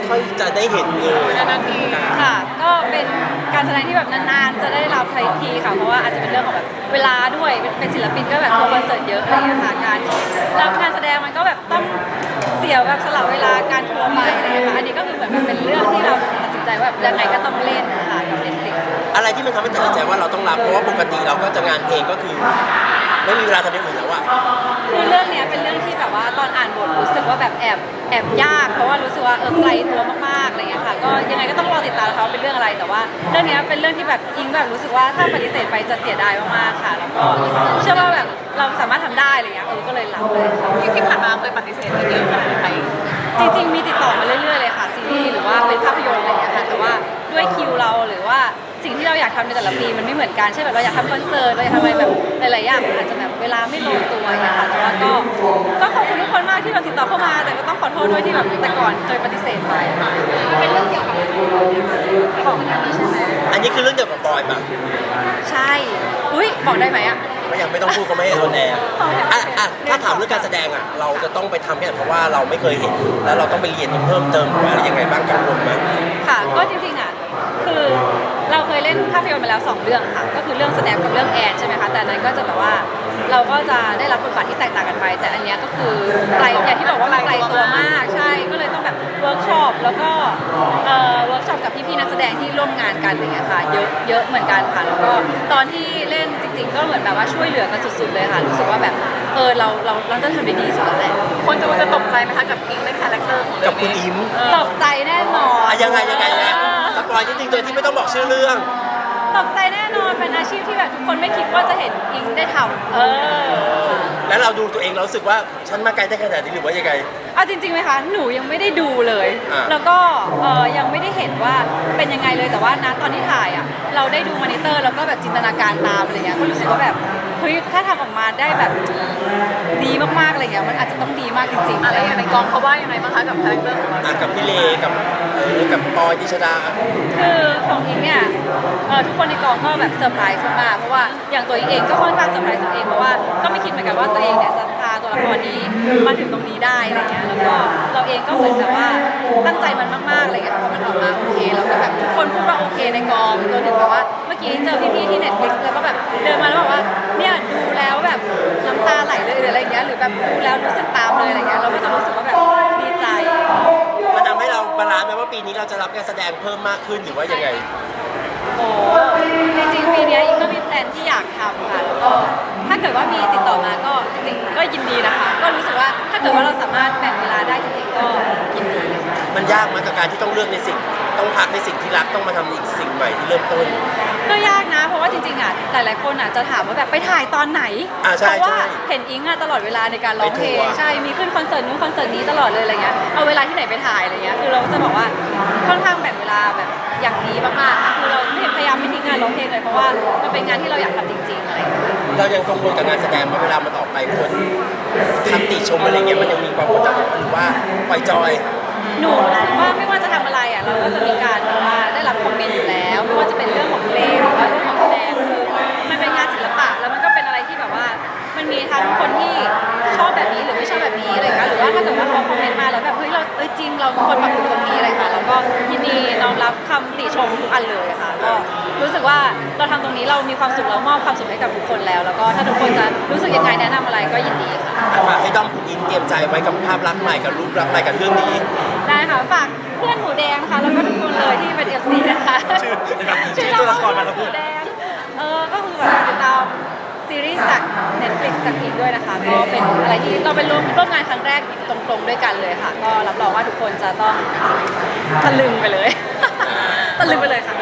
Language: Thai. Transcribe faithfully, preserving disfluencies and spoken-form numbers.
ค่อยจะได้เห็นเลยนานๆทีค่ะก็เป็นการแสดงที่แบบนานๆจะได้รับทันทีค่ะเพราะว่าอาจจะเป็นเรื่องของแบบเวลาด้วยเป็นศิลปินก็แบบทัวร์คอนเสิร์ตเยอะอะไรอย่างเงี้ยค่ะการรับงานแสดงมันก็แบบต้องเสียแบบสละเวลาการทัวร์ไปอะไรอย่างเงี้ยค่ะอันนี้ก็คือเหมือนแบบเป็นเรื่องที่เราตัดสินใจว่าแบบยังไงก็ต้องเล่นค่ะกับ Netflix อะไรที่มันทำให้ตัดสินใจว่าเราต้องรับเพราะว่าปกติเราก็จะงานเพลงก็คือไม่มีเวลาทำอย่างอื่นแล้วอะคือเรื่องเนี้ยเป็นเรื่องที่แบบว่าตอนอ่านบทรู้สึกว่าแบบแอบแอบยากเพราะว่ารู้สึกว่าเออไกลตัวมากๆอะไรเงี้ยค่ะก็ยังไงก็ต้องรอติดตามนะคะว่าเป็นเรื่องอะไรแต่ว่าเรื่องเนี้ยเป็นเรื่องที่แบบอิงแบบรู้สึกว่าถ้าปฏิเสธไปจะเสียดายมากๆค่ะแล้วก็เชื่อว่าแบบเราสามารถทำได้อะไรเงี้ยเออก็เลยรับเลยค่ะที่ที่ผ่านมาเคยปฏิเสธไปเยอะขนาดไหนจริงๆมีติดต่อมาเรื่อยๆเลยค่ะซีรีส์หรือว่าเป็นภาพยนตร์อะไรเงี้ยค่ะแต่ว่าด้วยคิวเราหรือว่าสิ่งที่เราอยากทำในแต่ละปีมันไม่เหมือนกันเช่นแบบเราอยากทำคอนเสิร์ตเราอยากทำอะไรแบบหลายๆอย่างอาจจะแบบเวลาไม่ลงตัวอย่างเงี้ยค่ะแต่ว่าก็ก็ขอบคุณทุกคนมากที่เราติดต่อเข้ามาแต่ก็ต้องขอโทษด้วยที่แบบแต่ก่อนเคยปฏิเสธไปเป็นเรื่องเกี่ยวกับของอันนี้ใช่ไหมอันนี้คือเรื่องเกี่ยวกับบอยปะใช่อุ้ยบอกได้ไหมอะไม่ยังไม่ต้องพูดเขาไม่ให้โดนแอร์อ่ะอ่ะถ้าถามเรื่องการแสดงอ่ะเราจะต้องไปทำเนี่ยเพราะว่าเราไม่เคยเห็นแล้วเราต้องไปเรียนเพิ่มเติมหรืออะไรยังไงบ้างกังวลไหมค่ะก็จริงๆอ่ะคือเราเคยเล่นภาพยนตร์มาแล้วสองเรื่องค่ะก็คือเรื่องแสดงกับเรื่องแอนใช่ไหมคะแต่อันนั้นก็จะแบบว่าเราก็จะได้รับบทบาทที่แตกต่างกันไป แต่อันเนี้ยก็คือไกลอย่างที่บอกว่ามันไกลตัวมากใช่ก็เลยต้องแบบเวิร์กช็อปแล้วก็เอ่อเวิร์กช็อปกับพี่ๆนักแสดงที่ร่วมงานกันอย่างเงี้ยค่ะเยอะเยอะเหมือนกันค่ะแล้วก็ตอนที่เล่นจริงๆก็เหมือนแบบว่าช่วยเหลือกันสุดๆเลยค่ะรู้สึกว่าแบบเออเราเราเราจะทำได้ดีสุดแล้วแหละคนจะจะตกใจไหมคะกับอิงในคาแรคเตอร์ของเรื่กัอบ งคุณนี้อิมตกใจแน่นอนอ่ะยังไงยังไงนะสปอยนิดนึงโดยที่ไม่ต้องบอกชื่อเรื่องตกใจแน่นอนเป็นอาชีพที่แบบทุกคนไม่คิดว่าจะเห็นอิงได้ทำเออแล้วเราดูตัวเองเรารู้สึกว่าฉันมาไกลได้ขนาดนี้หรือว่ายังไงเอาจริงๆไหมคะหนูยังไม่ได้ดูเลยอ่าแล้วก็เออยังไม่ได้เห็นว่าเป็นยังไงเลยแต่ว่านะตอนที่ถ่ายอ่ะเราได้ดูมอนิเตอร์แล้วก็แบบจินตนาการตามอะไรเงี้ยก็รู้สึกว่าแบบเฮ้ยถ้าทำออกมาได้แบบดีมากๆอะไรเงี้ยมันอาจจะต้องดีมากจริงๆอะไรอย่างในกองเขาว่ายังไงบ้างคะกับคาแรคเตอร์ของเราอ่ะกับพี่เลกับเออกับปอยดิชดาคือของอิงเนี่ยเออทุกคนในกองก็แบบเซอร์ไพรส์มากๆเพราะว่าอย่างตัวอิงเองก็ค่อนข้างเซอร์ไพรส์ตัวเองเพราะว่าก็ไม่คิดเหมือนกันว่าตัวเองเนี่ยจะพาตัวละครนี้มาถึงตรงนี้ได้อะไรเงี้ยแล้วก็เราเองก็เหมือนแบบว่าตั้งใจมันมากๆอะไรเงี้ยพอมันออกมาโอเคแล้วก็แบบทุกคนพูดว่าโอเคในกองรวมถึงแบบว่าเมื่อกี้เจอพี่ๆที่ Netflix แล้วก็แบบเดินมาแล้วบอกว่าเนี่ยดูแล้วแบบน้ำตาไหลเลยหรืออะไรเงี้ยหรือแบบดูแล้วรู้สึกตามเลยอะไรเงี้ยเราก็จะรู้สึกว่าแบบดีใจมันทำให้เราบาลานซ์ไหมว่าปีนี้เราจะรับการแสดงเพิ่มมากขึ้นหรือว่ายังไงโอ้จริงๆปีเนี้ยอิงก็มีแพลนที่อยากทำค่ะแล้วก็ถ้าเกิดว่ามีติดต่อมาก็จริงๆก็ยินดีนะคะ ก็รู้สึกว่าถ้าเกิดว่าเราสามารถแบ่งเวลาได้จริงๆก็ยินดีค่ะมันยากมากกับการที่ต้องเลือกในสิ่งต้องพักในสิ่งที่รักต้องมาทำอีกสิ่งใหม่ที่เริ่มต้นก็ยากนะ เพราะว่าจริงๆอ่ะหลายๆคนอ่ะจะถามว่าแบบไปถ่ายตอนไหนอ่าใช่เพราะว่าใช่เห็นอิงอ่ะตลอดเวลาในการร้องเพลงไปทัวร์ใช่มีขึ้นคอนเสิร์ตนู้นคอนเสิร์ตนี้ตลอดเลยอะไรเงี้ยเอาเวลาที่ไหนไปถ่ายอะไรเงี้ยคือเราก็จะบอกว่าค่อนข้างแบ่งเวลาแบบอย่างดีมากๆคือเราไม่พยายามไม่ทิ้งงานร้องเพลงเลยเพราะว่ามันเป็นงานที่เราอยากทำจริงๆอะไรเงี้ยเรายังกังวลกับงานแสดงมาเวลามันออกไปคนคำติชมอะไรเงี้ยมันยังมีความกดดันหรือว่าปล่อยจอยหนูรู้สึกว่าไม่ว่าจะทำอะไรอ่ะเราก็จะมีการแบบว่าได้รับคอมเมนต์อยู่แล้วไม่ว่าจะเป็นเรื่องของเพลงหรือว่าเรื่องของแสดงคือมันเป็นงานศิลปะแล้วมันก็เป็นอะไรที่แบบว่ามันมีทั้งคนที่ชอบแบบนี้หรือไม่ชอบแบบนี้อะไรค่ะหรือว่าถ้าเกิดว่าเขาคอมเมนต์มาแล้วแบบเฮ้ยเราเอ้ยจริงเราควรปรับปรุงตรงนี้อะไรค่ะแล้วก็ยินดีน้อมรับคำติชมทุกอันเลยค่ะก็รู้สึกว่าเราทำตรงนี้เรามีความสุขเรามอบความสุขให้กับทุกคนแล้ว แล้วก็ถ้าทุกคนจะรู้สึกยังไงแนะนำอะไรก็ยินดีค่ะฝากให้ด้อมคุณอินเตรียมใจไว้กับภาพลักษณ์ใหม่กับรูปลักษณ์ใหม่กับเรื่องนี้ได้ค่ะฝากเพื่อนหมูแดงนะคะแล้วก็ทุกคนเลยที่เป็นเอฟซีนะคะชื่อชื่อตัวละครมาแล้วหมูแดงเออก็คือแบบติดตามซีรีส์จาก Netflix จากอีกด้วยนะคะก็เป็นอะไรที่เราเป็นร่วมร่วมงานครั้งแรกตรงๆด้วยกันเลยค่ะ ก็รับรองว่าทุกคนจะต้องตะลึงไปเลย ตะลึงไปเลยค่ะ